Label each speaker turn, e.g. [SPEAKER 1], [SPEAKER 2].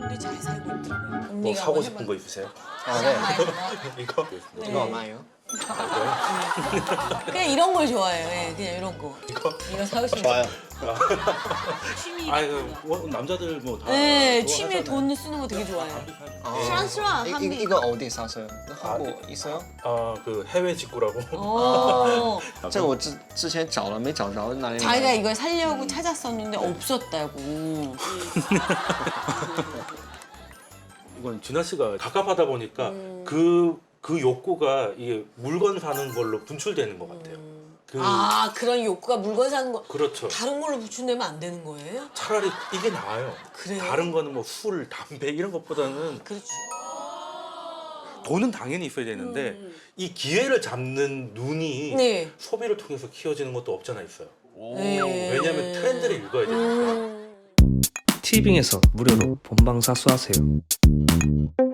[SPEAKER 1] 사람들이 잘 살고 있더라고요.
[SPEAKER 2] 뭐
[SPEAKER 1] 언니가
[SPEAKER 2] 사고
[SPEAKER 1] 한번
[SPEAKER 2] 싶은
[SPEAKER 1] 해봐.
[SPEAKER 2] 거 있으세요?
[SPEAKER 3] 아, 네.
[SPEAKER 2] 이거?
[SPEAKER 3] 이거 얼마예요?
[SPEAKER 1] 그냥 이런 걸 좋아해요. 예, 그냥 이런 거. 이거 사고 싶은 거.
[SPEAKER 3] 좋아요.
[SPEAKER 1] 취미.
[SPEAKER 2] 아 이거 남자들 뭐 다.
[SPEAKER 1] 네,
[SPEAKER 2] 좋아하잖아요.
[SPEAKER 1] 취미에 돈 쓰는 거 되게 좋아해요.
[SPEAKER 3] 아,
[SPEAKER 1] 한비.
[SPEAKER 3] 이거 어디 사세요? 한국 있어요?
[SPEAKER 2] 아그 해외 직구라고.
[SPEAKER 1] 오.
[SPEAKER 3] 这个我之前找了没找着哪里买？
[SPEAKER 1] 자기가 이걸 살려고 찾았었는데 없었다고.
[SPEAKER 2] 이건 진아 씨가 갑갑하다 보니까 그 욕구가 이게 물건 사는 걸로 분출되는 것 같아요.
[SPEAKER 1] 아, 그런 욕구가 물건 사는 거
[SPEAKER 2] 그렇죠.
[SPEAKER 1] 다른 걸로 부추내면 안 되는 거예요?
[SPEAKER 2] 차라리 이게 나아요.
[SPEAKER 1] 그래요?
[SPEAKER 2] 다른 거는 뭐 술, 담배 이런 것보다는
[SPEAKER 1] 그렇지.
[SPEAKER 2] 돈은 당연히 있어야 되는데 이 기회를 잡는 눈이
[SPEAKER 1] 네.
[SPEAKER 2] 소비를 통해서 키워지는 것도 없잖아 있어요.
[SPEAKER 1] 네.
[SPEAKER 2] 왜냐하면 트렌드를 읽어야 되니까.
[SPEAKER 4] 티빙에서 무료로 본방사수하세요.